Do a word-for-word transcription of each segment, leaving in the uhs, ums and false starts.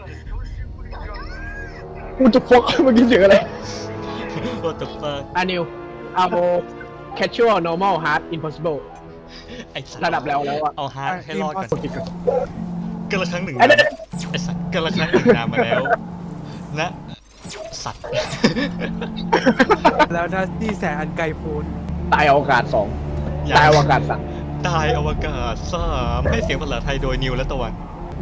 กูจะฟกเมื่อกี้เสียงอะไร What the fuck อานิวอาโบ casual normal hard impossible ไอ้สัตว์ระดับแล้วแล้วอะเอาฮาร์ดให้รอดก่อนกดผิดก่อนกันละครั้งหนึ่งไอ้นานเด็กไอ้สัตว์กันละครั้งหนึ่งนานมาแล้วนะสัตว์แล้วนะที่แสนอันไกลโพ้นตายอวกาศสองตายอวกาศสามตายอวกาศสามให้เสียงภาษาไทยโดยนิวและตะวัน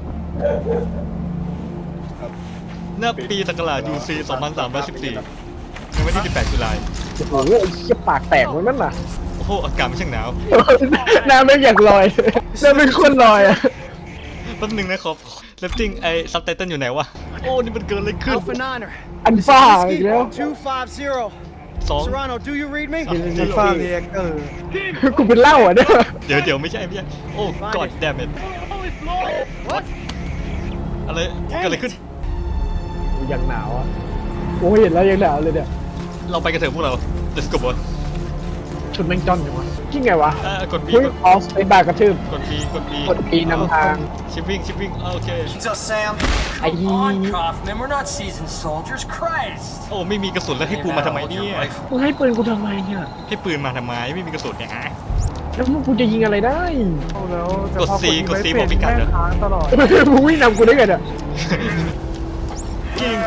ณปีศักราช ยู ซี สองพันสามร้อยสิบสี่ในวันที่สิบแปดตุลาคมโอ้โหไอ้เหี้ยปากแตกมันนั่นน่ะโอ้โหอากาศมันช่างหนาวหน้าไม่อยากลอยหน้าไม่คนลอยอะแป๊บนึงนะครับเลฟติ้งไอ้ซับไตเติลอยู่ไหนวะโอ้นี่มันเกิดอะไรขึ้น Alpha Niner. อันฟ้าอีกแล้ว two five zero. สอง Serrano, do you read me? จะฟาเรียกเออกูเป็นเหล้าอ่ะเนี่ยเดี๋ยวเดี๋ยวไม่ใช่ไม่ใช่โอ้ god damn it What? อะไรเกิดอะไรขึ้นกูยังหนาวอ่ะโอ้ยเห็นแล้วยังหนาวเลยเนี่ยเราไปกันเถอะพวกเรา let's go boy ชุดแม่งจ้อนอยู่วะจริงไงวะอ่ากด B เฮ้ยกดออฟไอ้บากระทืบกด B กด B กด B นำทางชิปวิ่งชิปวิ่งโอเค Pizza Sam. ไอ้ Come on, Kaufman, we're not seasoned soldiers, Christ! โอ้ไม่มีกระสุนแล้วให้กูมาทำไมเนี่ยมึงให้ปืนกูทำไมเนี่ยให้ปืนมาทำไมไม่มีกระสุนเนี่ยฮะแล้วมึงกูจะยิงอะไรได้เอาแล้วแต่กดพอ C กด C ไม่บอกพิกัดแม่เหรองค้างตลอดมึงวิ่งนำกูได้ไงเนี่ยจริง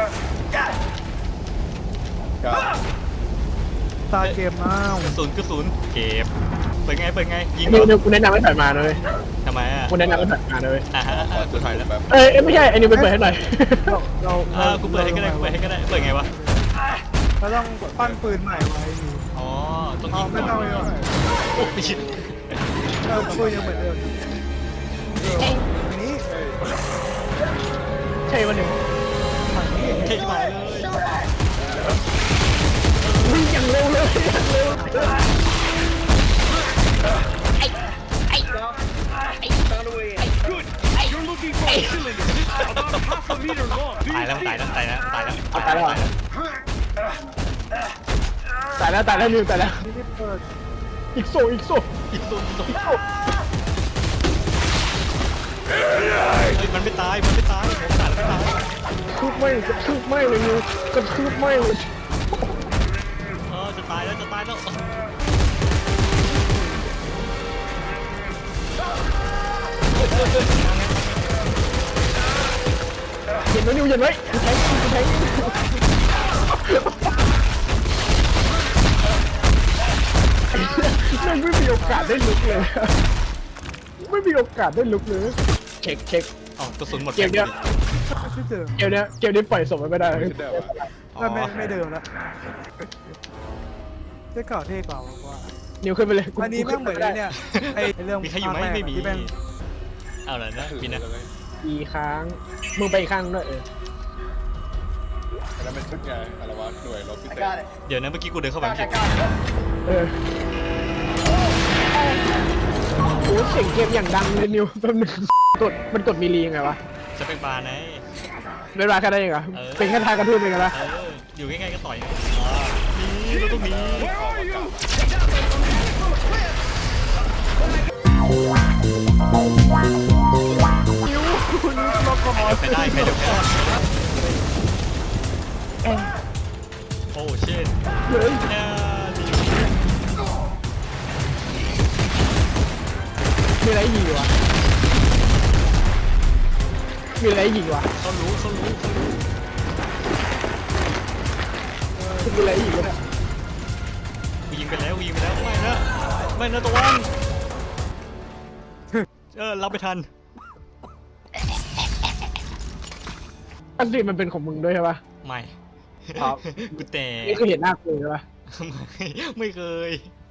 ตาเกมมากกระสุนกระสุนเก็บเปิดไงเปิดไงยิงนิวเหรนิอวกูแนะนำให้ถอยมาเลยทำไมอ่ะกูแนะนำให้ถอยมาเลยอ่ะฮะอ่ะกูถอยแล้วเอ้ยเอ้ยไม่ใช่ไอ้นิวไปเปิดให้หน่อยเราเราอ่ากูเปิดให้ก็ได้กูเปิดให้ก็ได้เปิดไงวะเราต้องปั้นปืนใหม่ไว้อ๋อต้องเอายิงไม่ก่ต้องอนเลยว่ะโอ้ไม่ชิดเออปืนยังเหมือนเดิมอันนี้ใช่วันหนึ่งฝั่งนี้เท่ที่หมายเลยวิ่งอย่างเร็วเลยอย่างเร็วตายแล้วตายแล้วตายแล้วตายแล้วเอาตายแล้วเหรอตายแล้วตายแล้วนิวตายแล้วไม่ได้เปิดอีกโซอีกโซอีกตัวอีกตัวเฮ้ยมันไม่ตายมันไม่ตายผมตายแล้วไม่ตายคืบไม่กระทืบไม่เลยนิวกระทืบไม่เลยเออจะตายแล้วจะตายแล้วเห็นไหมนิวเห็นไหมกูแทงกูแทงไม่ไม่มีโอกาสได้ลุกเลยไม่มีโอกาสได้ลุกเลยเช็คเช็คอ๋อกระสุนหมดเกมเนี้ยไม่ใช่เดิมเกมเนี้ยเกมนี้ปล่อยศพไม่ได้อ๋อไม่ไม่ไม่เดิมแล้วเท่เก่าเท่กว่าว่านิวขึ้นไปเลยอันนี้แม่งเหมือนไอ้เนี่ยไอ้เรื่องมีใครอยู่ไหมภาคแรกไม่มีที่แม่งเอาละนะพี่นะอีค้างมึงไปอีกข้างด้วยเออแล้วเป็นชุดไงอะไรวะหน่วยรบพิเศษ Got it. เดี๋ยวนะเมื่อกี้กูเดินเข้าไปผิดเออโอ้เสียงเกมอย่างดังเลยนิวแป๊บนึงกดมันกดมีรียังไงวะจะเป็นบาร์ไงเป็นราแค่ได้ยังไงเออเป็นแค่ทางกระทืบเองนะเอออยู่ใกล้ๆก็ต่อยนี่เราต้องหนีใครได้ใครเดี๋ยวก่อนโอ้เช่นเฮ้ยเนี่ยมีอะไรยิงวะมีอะไรยิงวะเขารู้เขารู้เขารู้มีอะไรยิงวะเนี่ยกูยิงไปแล้วกูยิงไปแล้วไม่นะไม่นะตะวันเออรับไปทันอันนี้มันเป็นของมึงด้วยใช่ปะไม่ครับกูแต่นี่คือเห็นหน้ากูใช่ปะไม่ไม่เคย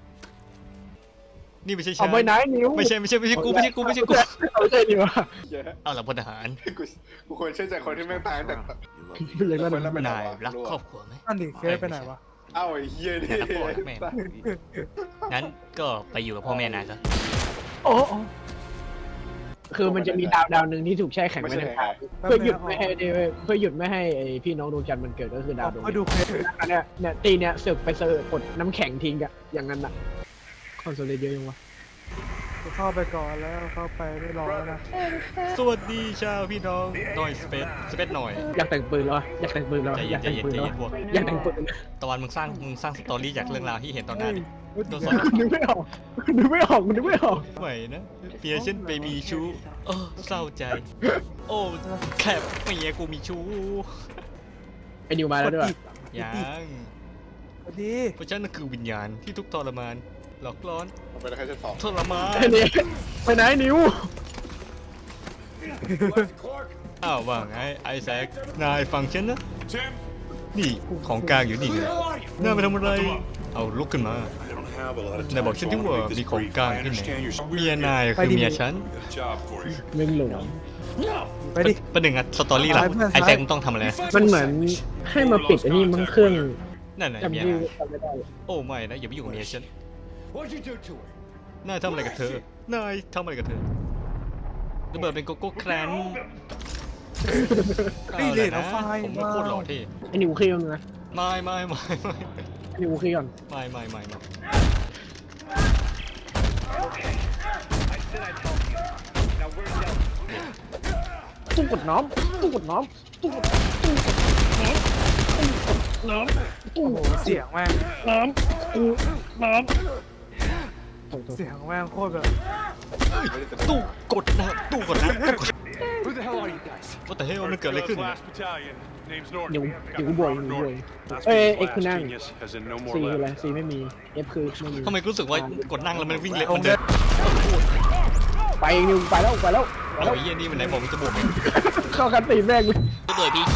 นี่ไม่ใช่ฉัเอานไปไหนนิวไม่ใช่ไม่ใช่ไม่ใช่กูไม่ใช่กูไม่ใช่กูไม่ใช่นิวอะเหี้ยเอาละพลทหารกูกูควรเชื่อใจคนที่แม่งตายตั้งแต่อย่างนั้นคนละอะไปไหนนายวะรักครอบครัวไหมนั่นดิเคยไปไหนวะเอ้าไอ้เหี้ยนี่แต่รักพ่อรักแม่งั้นก็ไปอยู่กับพ่อแม่นายซะโอ้โอ้คือมันจะมีดาวดาวหนึ่งที่ถูกแช่แข็งไม่ไว้ใช่ในใครเพื่อหยุดไม่ให้เพื่อหยุดไม่ให้ไอพี่น้องดวงจันทร์มันเกิดก็คือดาวดวงก็ดูเคสอันเนี้ยเนี่ยตีเนี่ยเสือกไปเสือกกดน้ำแข็งทิ้งอะอย่างนั้นอะคอนโซลเลตเยอะยังวะกูเข้าไปก่อนแล้วเข้าไปไม่รอแล้วนะสวัสดีชาวพี่น้องหน่อยสเปซสเปซหน่อยอยากแต่งปืนแล้วอะอยากแต่งปืนแล้วใจอะอเย็ยาน กแต่งปืนใจแล้วเย็นใจเย็นพวกอยากแต่งปืนตะวันมึงสร้างมึงสร้างสตอรี่จากเรื่องราวที่เห็นตอนหน้าดิตัวสดนึกไม่ออกนึกไม่ออกนึกไม่ออกไหวนะเปียฉันไปมีชู้เออเศร้าใจ โอ้แคบเมียกูมีชู้ไอ้นิวมาแล้วด้วยยังสวัสดีเพราะฉันนั่นคือวิญญาณที่ทุกข์ทรมานหลอกล่อนมันเป็นแค่ชั้นสองทรมานไอ้นี่ไปไหนนิวอ้าวว่าไงไอแซค นายฟังฉันนะ นี่ของกลางอยู่นี่ไงน่าไปทำอะไร เอาลุกขึ้นมา นายบอกฉันที่ว่ามีของกลางที่ไหน เมียนายคือเมียฉันเม่งหลงไปดิประหนึ่งอะสตอรี่หลักไปเพื่อนไอแซคมึงต้องทำอะไรมันเหมือนให้มาปิดอันนี้มันเครื่องนั่นน่ะจำเมียชื่อนายจำไม่ได้โอ้ไม่นะอย่าไปยุ่งกับเมียฉัน What'd you do to her? นายทำอะไรกับเธอ นายทำอะไรกับเธอระเบิดเป็นโกโก้แครนเฮ้ยเลนเอาไฟผมก็โคตรหล่อเท่ไอ้นิวเคลียร์นะไม่ไม่ไม่ไม่ไอ้นิวเคลียร์ไม่ไม่ไม่ไม่ตู้กดน้ำตู้กดน้ำตู้กดตู้กดน้ำน้ำตู้โอ้โหเสียงแม่งน้ำตู้น้ำเสียงแม่งโคตรแบบตู้กดนะตู้กดนะตู้กด Who the hell are you guys? ว่าแต่เฮ้ยมันเกิดอะไรขึ้น Last battalion. Name's Norton. เดี๋ยว Got เดี๋ยว the กูบวก front กูบว north. ก That's เอ้ย means เอ็ก blast คือนั่ง genius, as in no ซี more คืออะไร left. ซีไม่มีเอฟคือไม่มีทำไมรู้สึกว่ากดนั่งแล้วมันวิ่งเร็วเอามันเดิเดินนไปนิวไปแล้วไปแล้วไปเอาแล้วไอ้เหี้ยนี่มันไหนบอกมันจะบวกเองเข้ากันตีแม่งเลยระเบิดพีจี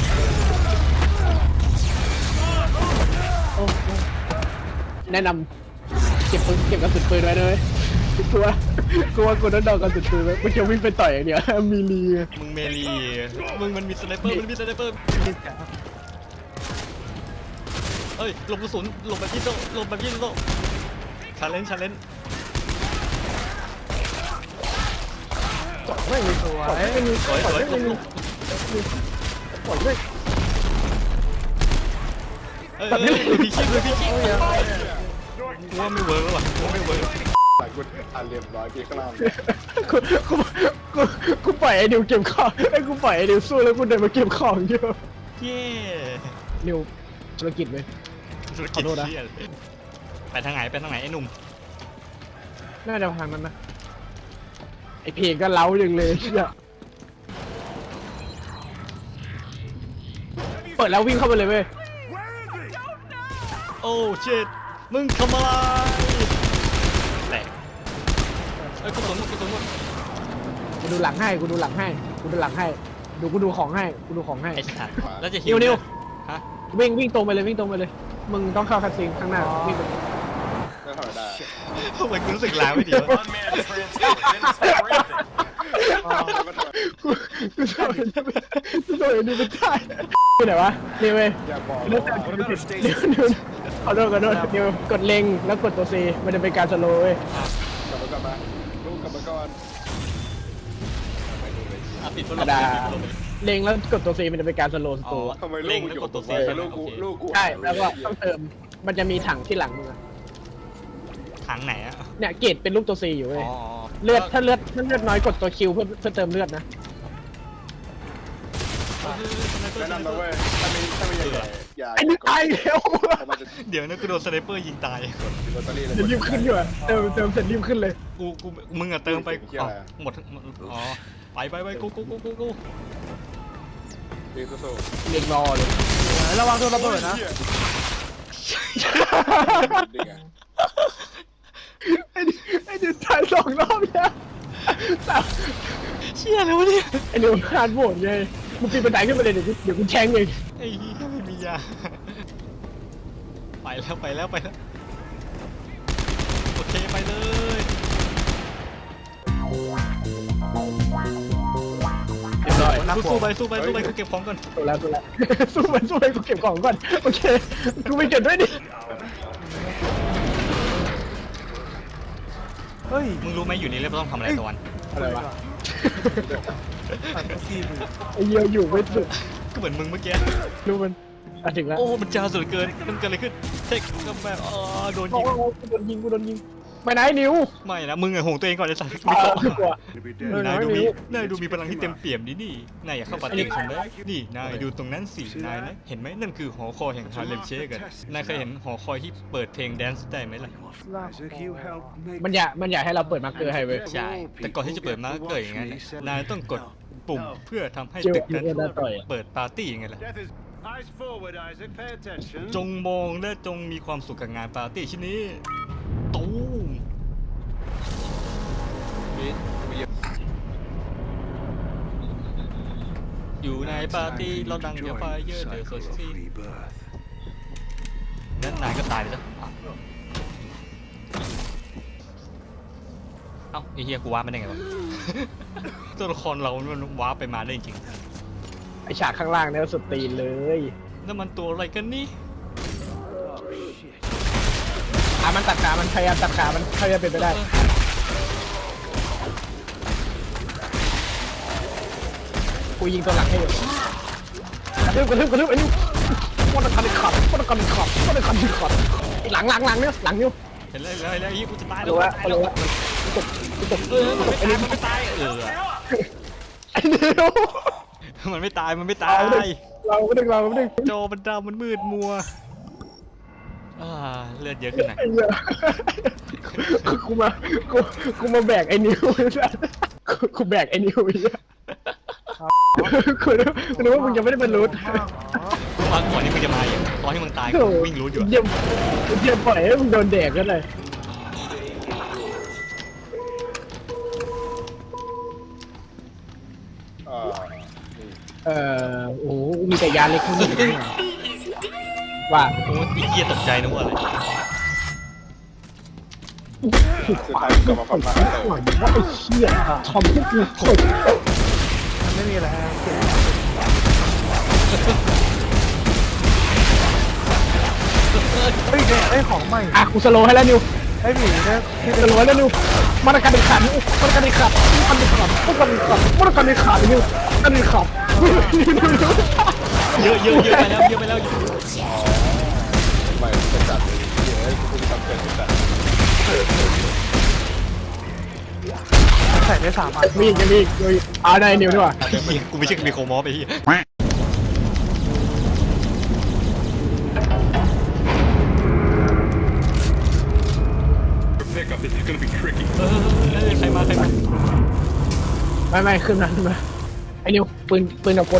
โอ้โหแนะนำเก็บปืนเก็บกระสุนปืนไว้เลยกลัวกลัวกลัวโดนดอกกระสุนปืนไว้ไม่เกี่ยววิ่งไปต่อยอย่างเดียวมีลีไงมึงเมลีมึงมันมีสไนเปอร์มันมีสไนเปอร์เอ้ยหลบกระสุนหลบแบบยิงโตหลบแบบยิงโตชาเลนจ์ชาเลนจ์ไม่มีสวยไม่มีสวยสวยหลบหลบปล่อยด้วยเอ้ยเอ้ยดูพีชีดูพีชีกูว่าไม่เวิร์กแล้วว่ะกูว่าไม่เวิร์กหลายคนอ่านเรียบร้อยพี่ข้างล่างกูกูกูกูปล่อยไอ้นิวเก็บของไอ้กูปล่อยไอ้นิวสู้แล้วกูเดินมาเก็บของเยอะเย้นิวธุรกิจไหมธุรกิจขอโทษนะเชี่ยเลยไปทางไหนไปทางไหนไอ้หนุ่มน่าจะทางนั้นนะไอ้เพลงก็เล้าอย่างเลยเชี่ยเปิดแล้ววิ่งเข้าไปเลยเว้ยโอ้เชิดมึงทำอะไรแหลกเอ้ยกระสุนหมดกระสุนหมดกูดูหลังให้กูดูหลังให้กูดูหลังให้ดูกูดูของให้กูดูของให้ไอ้สัตว์แล้วจะนิวนิวฮะวิ่งวิ่งตรงไปเลยวิ่งตรงไปเลย มึงต้องเข้าคัสซีนข้างหน้าวิ่งไปก็ทำได้ทำไมกูรู้สึกล้าไม่ดีวะ Unmanned transport didn't say for anything. กูกูชอบเห็นกูชอบเห็นดูเป็นท่าที่ไหนวะนี่เว้ยอย่าบอกนิวว่านิวนิวขอโทษขอโทษนิวกดเล็งแล้วกดตัว C มันจะเป็นการสโลว์เว้ยกลับมากลับมาลูกกลับมาก่อนอ่ะปิดพัดธรลรมมดาปิดพัดลมเล็งแล้วกดตัว C มันจะเป็นการสโลว์สอ๋โตอว์ทำไมลูเล็กงกูแล้วอยู่กดตัว C ไปใช่ไหมลูกกูโอเคลูกกูใช่แล้วก็ต้องเติมมันจะมีถังที่หลังมึงอะถังไหนอะเนี่ยเกรดเป็นรูปตัว C อยู่เว้อ๋ยอเลือดถ้าเลือดถ้าเลือดน้อยกดตัว Q เพื่อเพื่อเติมเลือดนะแนะนำนะเว้ยถ้ามีถ้ามีใหญ่ๆอย่าไอ้นี่ตายแล้วเพราะมันจะเดี๋ยวนะกูโดนสไนเปอร์ยิงตายติดลอตเตอรี่เลยเดี๋ยวรีบขึ้นอยู่อะเติมเติมเสร็จรีบขึ้นเลยกูกูมึงอะเติมไปเหี้ยอะไรอ๋อหมดหมดอ๋อไปไปไปกูกูกูกูกูดีสู้เรียกรอเลยระวังโดนระเบิดนะๆดีไงไอ้นี่ไอ้นี่ตายสองรอบแล้วสามเชี่ยแล้วะเนี่ยไอ้นิวคานโหวตไงมึงปีนบันไดขึ้นไปเลยเดี๋ยวกูเดี๋ยวกูแทงเองไอ้เหี้ยไม่มียาไปแล้วไปแล้วไปแล้วโอเคไปเลยเรียบร้อยสู้ๆไปสู้ไปสู้ไปกูเก็บของก่อนสู้แล้วสู้แล้วสู้ไปสู้ไปกูเก็บของก่อนโอเคกูไปเก็บด้วยดิเฮ้ยมึงรู้ไหมอยู่นี่เรียกว่าต้องทำอะไรตะวันอะไรวะตัดซีมือไอ้เหี้ยอยู่ไม่สุดก็เหมือนมึงเมื่อกี้รู้มันอ่ะถึงแล้วโอ้มันจ้าสุดเกินมันเกิดอะไรขึ้นเทคก็แบบอ๋อโดนโอ้ยิงโหกูโดนยิงกูโดนยิงไปไหนนิวไม่นะมึงอะห่วงตัวเองก่อนไอ้สัตว์ไม่ไม่กลัวเข้าไม่กลัวนายดูมีนิวนายดูมีพลังที่เต็มเปี่ยมดีนี่นายอยากเข้าปาร์ตี้กับฉันไหมนี่นายดูตรงนั้นสินายนะเห็นไหมนั่นคือหอคอยแห่งฮาเลมเชคกันนายเคยเห็นหอคอยที่เปิดเพลงแดนซ์ได้ไหมล่ะมันอยากมันอยากให้เราเปิดมาร์คเกอร์ให้เว้ยใช่แต่ก่อนที่จะเปิดมาเกิดอย่างนั้นนะนายต้องกดปุ่มเพื่อทำให้เจอตึกนั้นเจอหน้าต่อยอะเปิดปาร์ตี้ยังไงล่ะ Death is eyes forward, Isaac. Pay attention. จงมองและจงมีความสุขกับงานปาร์ตี้ชิ้นนี้ตูมอยู่ในปาร์ตี้เราดังเดียวไฟเยอะเดือดสดซีนั่นนายก็ตายไปแล้วเอ้าไอ้เฮียกูว้าไม่ได้ไงวะ ตัวละครเรามันว้าไปมาได้จริงไอฉากข้างล่างเนี่ยสุดตีนเลยนั่นมันตัวอะไรกันนี่อ่ะมันตัดขามันพยายามตัดขามันพยายามเป็นไปได้กูยิงตัวหลังให้อยู่กระทืบกระทืบกระทืบไอ้นิววัตกรรมขับวัตกรรมขับวัตกรรมขับหลังหลังหลังเนี่ยหลังนิวเห็นแล้วเห็นแล้วเห็นแล้วไอ้เฮียกูจะตายแล้รู้วว่ารู้ว่าตกตกเออมันไม่ตายมันไม่ตายเออไอ้นิวมันไม่ตายมันไม่ตายเราไม่ดึงเราไม่ดึงจอมันดำมันมืดมัวอ่าเลือดเยอะขึ้นหน่อยไอ้เหี้ยกูมากูกูมาแบกไอ้นิวกูกูแบกไอ้นิวไอ้เหี้ยกูนึกกูนึกว่ามึงยังไม่ได้บรรลุตอนก่อนที่มึงจะมาอย่างตอนที่มึงตายกูวิ่งรู้อยู่อะเยี่ยมเยี่ยมปล่อยให้มึงโดนแดกกันเลยอ่าเอ่อโอ้โหมีแต่ยาเล็กข้างนี้ว่าโอ้ยไอ้เหี้ยตกใจนะว่าอะไรสุดท้ายกลับมาคฝันนมาที่หวังว่าไอ้เชี่ยทำให้กูขดมันไม่มีอะไรให้เก็บเฮ้ยเนี่ยไอ้ของใหม่อ่ะกูสโลว์ให้แล้วนิวไอ้หมีเนี่ยที่สโลว์ให้แล้วนิวมาตรการเด็ดขาดนิวมาตรการเด็ดขาดมาตรการเด็ดขาดมาตรการเด็ดขาดมาตรการเด็ดขาดนิวมาตรการเด็ดขาดเยอะเยอะเยอะไปแล้วเยอะไปแล้วใหม่จะจัดเดี๋ยวให้คุณทำเกินจัดใส่ได้สามอันมีอีกยังมีอีกมีอีกเอาได้นิวดีกว่าไอ้เหี้ยกูไม่ใช่มีโคมอฟไอ้เหี้ย Pickup. This is gonna be tricky. เออเออใครมาใครมาไม่ไม่ขึ้นมาขึ้นมาไอ้นิวปืนปืนกับคน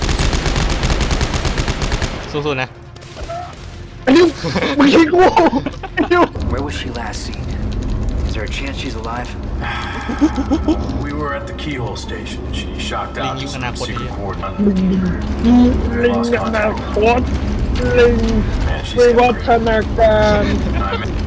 สู้ๆนะไอ้นิวมึงยิงกูไอ้นิว Where was she last seen? Is there a chance she's alive? We were at the keyhole station. She shocked out to some secret coordinate. ลิงลิงลิงอนาคตลิงวิวัฒนาการ I'm in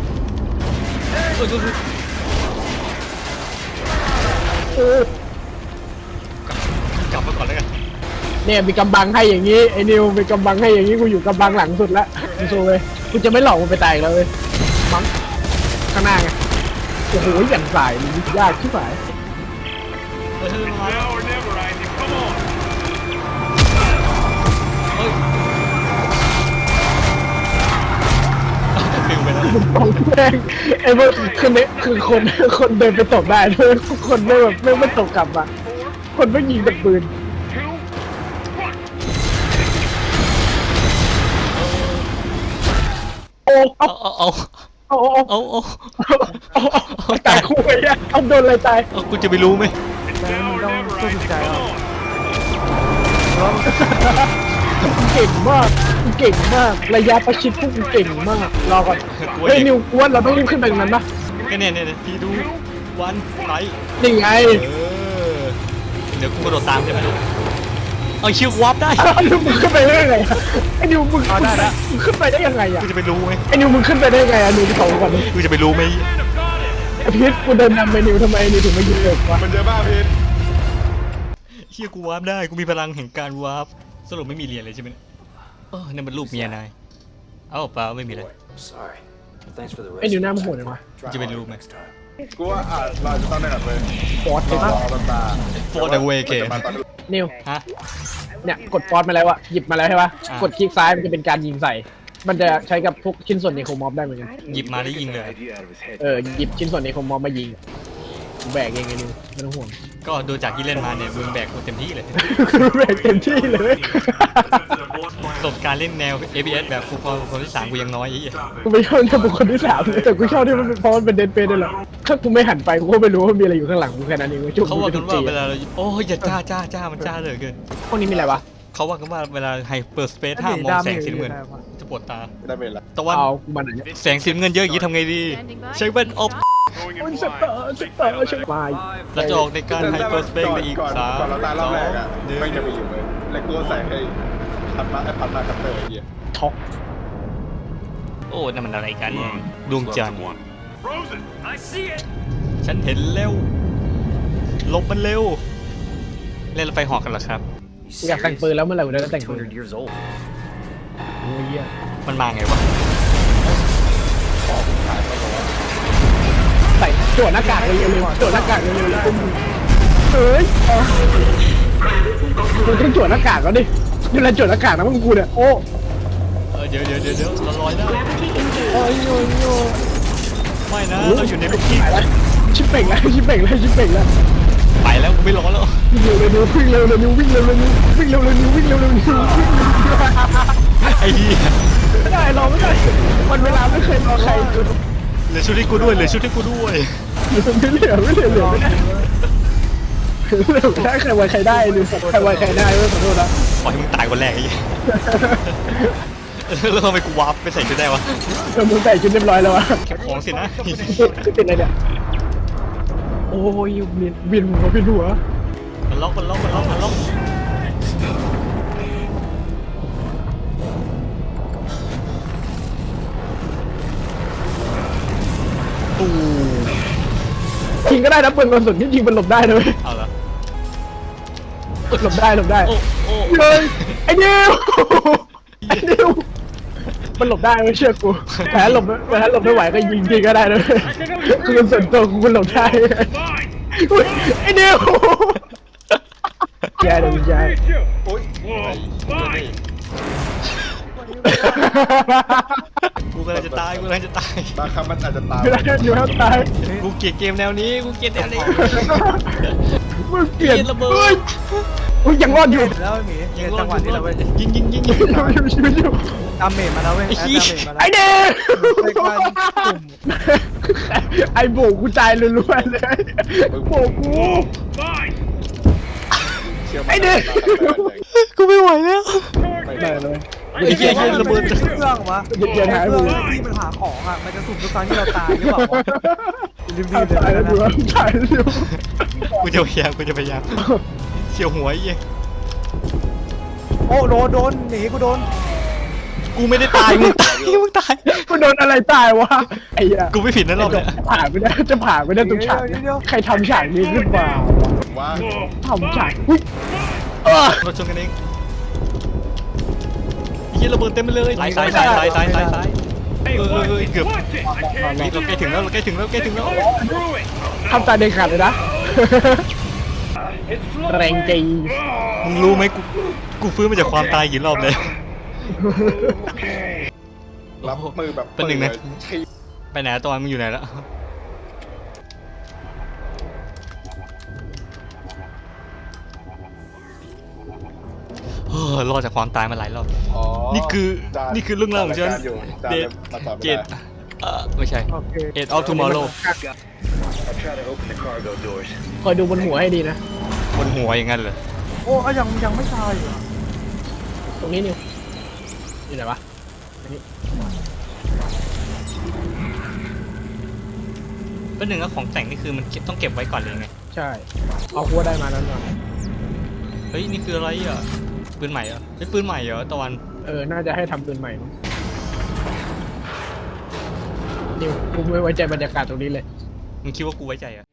เออกลับมาก่อนแล้วกันเนี่ยมีกำบังให้อย่างนี้ไอ้นิวมีกำบังให้อย่างนี้กูอยู่กำบังหลังสุดละกูโซ่เลยกูจะไม่หลอกมันไปตายอีกแล้วเลยมั้งข้างหน้าไงโอ้โหอย่างสายมันยากชิบหายเออมาแล้ว Now or never, Isaac. Come on. เฮ้ยฟิวไปแล้วของแม่งไอ้พวกคือเนี่ยคือคนคนเดินไปตบได้ด้วยคนไม่แบบไม่ไม่ตบกลับอ่ะคนไม่ยิงแต่ปืน โอ้เอาเอาเอาเอาเอาเอาเอาเอาเอาตายคู่ไปอ่ะเอาโดนอะไรตายเอากูจะไปรู้ไหมแล้ว Now มึง or ต้อง never, สู้ Isaac. ใจ Come เอา on. เก่งมากเก่งมากระยะประชิดพวกมึงเก่งมากรอก่อนเฮ้ยนิวกวนเราต้องรีบขึ้นไปตรงนั้นปะก็เนี่ยเนี่ยพี่ดูวันไลท์นี่ไงเออเดี๋ยวกูกระโดดตามใช่ไหมเอาชิววับได้ไอ้นิวมึงขึ้นไปได้ยังไงอะไอ้นิวมึงมึงขึ้นไปได้ยังไงอ่ะกูจะไปรู้ไหมไอ้นิวมึงขึ้นไปได้ยังไงอ่ะนิวที่เขาก่อนกูจะไปรู้ไหมไอ้พีทกูเดินนำไปนิวทำไมนิวถึงไม่ยิงเลยวะมันเยอะมากพีทเชี่ยกูวาร์ปได้กูมีพลังแห่งการวาร์ปสรุปไม่มีเรียนเลยใช่ไหมเนี่ยเออนั่นมันรูปเมียนายเอ้าเปล่าไม่มีเลย I'm sorry. Thanks for the ไอ้นิว rescue. หน้ามันโหดเลยวะกูจะไปรู้ไหม Next time. กูว่าอาจเราจะต้องได้แบบเลยฟอสรใช่อปะรอตา For the way เกมนิวฮะเนี่ยกดฟอสมาแล้วอะหยิบมาแล้วใช่ปะอ่ะกดคลิกซ้ายมันจะเป็นการยิงใส่มันจะใช้กับพวกชิ้นส่วนในโครมอฟได้เหมือนกันหยิบมาแล้วยิงเลยเออหยิบชิ้นส่วนในโครมอฟมายิงกูแบกเองไงนิวไม่ต้องห่วงก็ดูจากที่เล่นมาเนี่ยมึงแบกกูเต็มที่เลยกูแบกเต็มที่เลยประสบการณ์เล่นแนว เอ พี เอส แบบฟูลคอร์คนที่สามกูยังน้อยไอ้เหี้ยกูไม่ชอบเนี่ยบุคคลที่สามเลยแต่กูชอบที่มันเป็นเพราะมันเป็นเดนเฟสด้วยแหละถ้ากูไม่หันไปกูก็ไม่รู้ว่ามีอะไรอยู่ข้างหลังกูแค่นั้นเองจุกเขาว่ากันว่าเวลาเราโอ้ยอย่าจ้าจ้าจ้ามันจ้าเหลือเกินพวกนี้มีอะไรวะเขาว่ากันว่าเวลาไฮเปอร์สเปซห้ามมองแสงสีน้ำเงินจะปวดตาไม่ได้เป็นละตะวันเอากูมาไหนเนี่ยแสงสีน้ำเงินเยอะอย่างนี้ทำไงดี ใช้แว่นออฟ Going in มัน blind. สเตอร์สเตอร์ใช่ไหมเราจะออกในการไฮเปอร์สเปซไปอีกก่อนสามก่อนเราตายรสออบ งแรกอ่ะหนึ่งไม่จะไปอยู่เลยแล้วกูก็ใส่ให้พันมาไอ้พันมาคัตเตอร์ไอ้เหี้ยช็อกโอ้นั่นมันอะไรกัน ดวงจันทร์ Frozen. I see it. ฉันเห็นแล้วหลบมันเร็ว เล่นรถไฟเหอกกันเหรอครับกูอยากแต่งปืนแล้วเมื่อไหร่กูจะแต่งปืน years old. โอ้ยเหี้ยมันมาไงวะใส่โจดหน้ากากเร็วๆโจดหน้ากากเร็วๆแล้วเฮ้ยกูต้องโจดหน้ากากแล้วดินี่แหละโจดหน้ากากนะมึงกูเนี่ยโอ้เออเดี๋ยวเดี๋ยวเดี๋ยวเดี๋ยวเราลอยได้โอ้ยโอ้ยโอ้ยไม่นะเราอยู่ในคุกกี้ไปแล้วชิปเป่งแล้วชิปเป่งแล้วชิปเป่งแล้วไปแล้วกูไม่ร้อนแล้ววิ่งเร็วเร็ววิ่งเร็วเร็ววิ่งเร็วเร็ววิ่งเร็วเร็ววิ่งเร็วเร็ววิ่งเร็วไอ้เหี้ยไม่ได้รอไม่ได้วันเวลาไม่เคยรอใครจนเหลือชุดที่กูด้วยเหลือชุดที่กูด้วยไม่เหลือไม่เหลือเหลือไม่ได้เหลือไม่ได้ใครไว้ใครได้หรือใครไว้ใครได้ไม่ขอโทษนะปล่อยให้มึงตายคนแรกไอ้เหี้ยแล้วทำไมกูวาร์ปไปใส่ชุดได้วะเออมึงแต่งชุดเรียบร้อยแล้ววะเก็บของสินะเป็นอะไรเนี่ยโอ้ยเบียนเบียนหัวเบียนหัวมันล็อกมันล็อกมันล็อกมันล็อกตูยิงก็ได้นะปืนกระสุนที่ยิงมันหลบได้เลยเอาละหลบได้หลบได้โอ้โอ้เฮ้ยไอ้นิวไอ้นิวมันหลบได้ไม่เชื่อกูแต่ถ้าหลบแต่ถ้าหลบไม่ไหวก็ยิงทีก็ได้เลยคือส่วนตัวกูมันหลบได้อุ๊ยไอ้นิวแย่เลยแย่โอ๊ยไอ้เหี้ยนี่กูกำลังจะตายกูกำลังจะตายบางคำมันอาจจะตามไม่ได้อยู่แล้วตายกูเกลียดเกมแนวนี้กูเกลียดแนวนี้มึงเปลี่ยนเกลียดระเบิดฮ้ยอุ้ยยังรอดอยู่แล้วหมียิเนี่งยรอจัดงหวะนี้เราเว้ยยิงยิงยิงยิงอยู่อยู่อยู่อยู่ดาเมจมาแล้วเว้ยไอ้แอดขี้ดาเมจมาแล้วไอ้เด้ใช้การปุ่มไอ้โบกกูตายล้วนๆเลยโบกกู Fine. เชื่อไอ้เด็กกูไม่ไหวแล้วได้เลยไอ้เหี้ยเหี้ยระเบิดเครื่องวะเดี๋ยวหายเคไปรื่องเลยที่มันหาของอ่ะมันจะสุ่มทุกครั้งที่เราตายหรือเปล่าวะรีบๆเลยตายแล้วนะดูตายแล้วดูกูจะพยายามกูจะพยายามเฉียวหัวไอ้เหี้ยโอ้โดนโดนหนีกูโดนกูไม่ได้ตายมึงตายมึงตายกูโดนอะไรตายวะไอ้เหี้ยกูไม่ผิดนะรอบเนี้ยผ่านไม่ได้จะผ่านไม่ได้ตรงฉากเนี่ยใครทำฉากนี้ขึ้นมาว่าทำฉากอุ้ยเออเราชนกันเองไอ้เหี้ยระเบิดเต็มไปเลยสายสายสายสายสายสายสายเออเออเออเกือบ Watch it. I can't เราใกล้ถึงแล้วเราใกล้ถึงแล้วใกล้ถึงแล้ว through it. ทำตาเด็กขาดเลยนะ It's แรงจริงมึงรู้ไหมกูกูฟื้นมาจากความตายกี่รอบเลยรับมือแบบเป็นหนึ่งนะทีไปไหนตอนมึงอยู่ไหนแล้วเฮ้อรอดจากความตายมาหลายรอบอ๋อนี่คือจานี่คือเรื่องราวของฉันจอยู่จานเดทมาตอบเกไม่ตได้เอ่อไม่ใช่โอเค Eight of Tomorrow I'll try to open the cargo doors. คอยดูบนหัวให้ดีนะบนหัวอย่างนั้นเหรอโอ้อะยังยังไม่ตายเหรอตรงนี้นิวนี่ไหนวะเป็นหนึ่งแล้วของแต่งนี่คือมันเก็บต้องเก็บไว้ก่อนเลยไงใช่เอาคัวได้มาแล้วนะเฮ้ยนี่คืออะไรอ่ะปืนใหม่เหรอเฮ้ยปืนใหม่เหรอตะวันเออน่าจะให้ทำปืนใหม่มั้งนิวกูไม่ไว้ใจบรรยากาศตรงนี้เลยมึงคิดว่ากูไว้ใจเหรอ่ะ